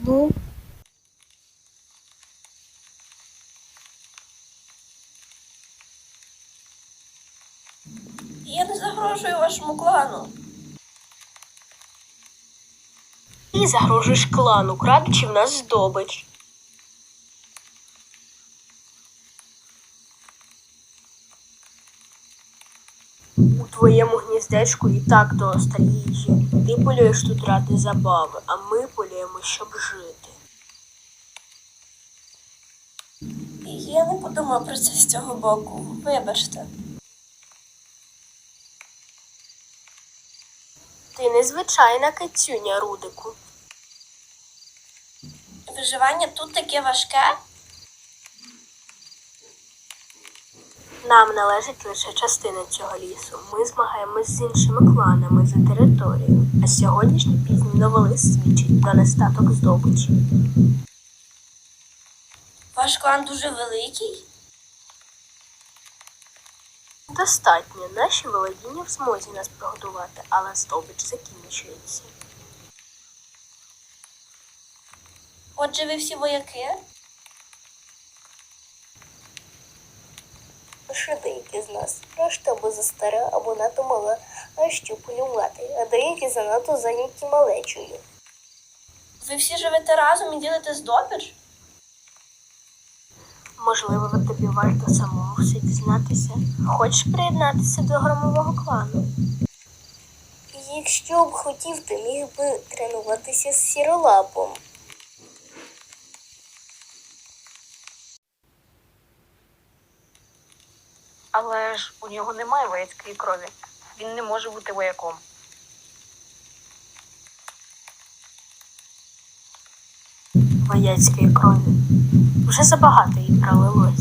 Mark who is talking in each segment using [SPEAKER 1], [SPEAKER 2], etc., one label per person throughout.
[SPEAKER 1] Ну,
[SPEAKER 2] Я не загрожую вашому клану.
[SPEAKER 1] ти загрожуєш клану, крадучи в нас здобич. У твоєму гніздечку і так доста їжі. Ти полюєш тут ради забави, а ми полюємо, щоб жити.
[SPEAKER 2] Я не подумав про це з цього боку. Вибачте.
[SPEAKER 1] Ти незвичайна кицюня, Рудику.
[SPEAKER 2] Виживання тут таке важке?
[SPEAKER 1] Нам належить лише частина цього лісу. Ми змагаємось з іншими кланами за територію. А сьогоднішній пізній новолист свідчить про нестаток здобичі.
[SPEAKER 2] Ваш клан дуже великий?
[SPEAKER 1] Достатньо. Наші володіння в змозі нас прогодувати, але здобич закінчується.
[SPEAKER 2] Отже, ви всі вояки?
[SPEAKER 3] Лише деякі з нас. Решта або застара, або надто мала, а що полювати, а деякі занадто зайняті малечою.
[SPEAKER 2] Ви всі живете разом і ділите здобич?
[SPEAKER 1] Можливо, тобі варто самому все дізнатися. Хочеш приєднатися до громового клану?
[SPEAKER 3] Якщо б хотів, то міг би тренуватися з сіролапом.
[SPEAKER 4] Але ж у нього немає вояцької крові. Він не може бути вояком.
[SPEAKER 1] Вояцької крові. Вже забагато їй пролилось.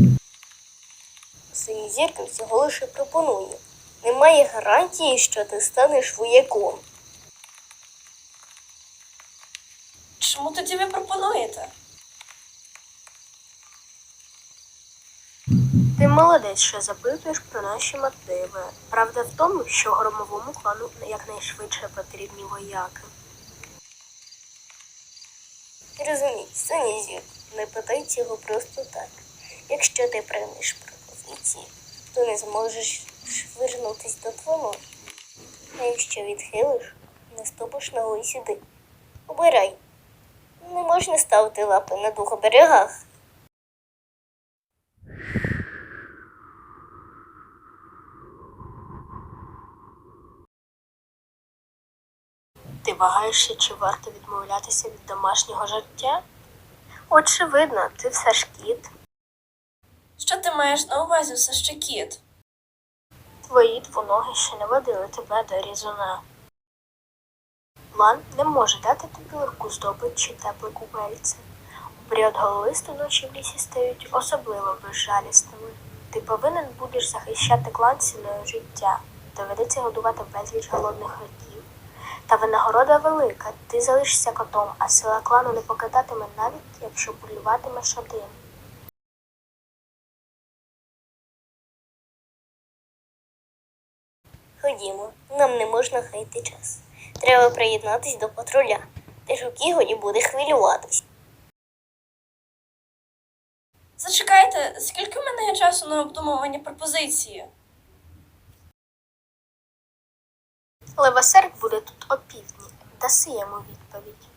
[SPEAKER 3] Синізірка всього лише пропонує. Немає гарантії, що ти станеш вояком.
[SPEAKER 2] Чому тоді ви пропонуєте?
[SPEAKER 1] Ти молодець, що запитуєш про наші мотиви. Правда в тому, що громовому клану якнайшвидше потрібні вояки.
[SPEAKER 3] Розумій, Синізірка, не питай цього просто так. Якщо ти приймеш пропозицію, то не зможеш швирнутись до твону. А якщо відхилиш, не ступиш ногою сюди. Обирай. Не можна ставити лапи на двох берегах.
[SPEAKER 1] Ти вагаєшся, чи варто відмовлятися від домашнього життя? Очевидно, ти все ж кіт.
[SPEAKER 2] Що ти маєш на увазі, все ще кіт?
[SPEAKER 1] Твої двоноги ще не водили тебе до різуна. Лан не може дати тобі легку здобич чи тепле купельце. У період гололисту ночі в лісі стають особливо безжалісними. Ти повинен будеш захищати клан ціною життя. Доведеться годувати безліч голодних років. Та винагорода велика. Ти залишишся котом, а сила клану не покидатиме навіть, якщо полюватимеш один.
[SPEAKER 3] Ходімо, нам не можна гаяти час. Треба приєднатись до патруля. Теж у Кігоді буде хвилюватись.
[SPEAKER 2] Зачекайте, скільки в мене є часу на обдумування пропозиції?
[SPEAKER 1] Левосерк буде тут опівдні. Даси йому відповідь.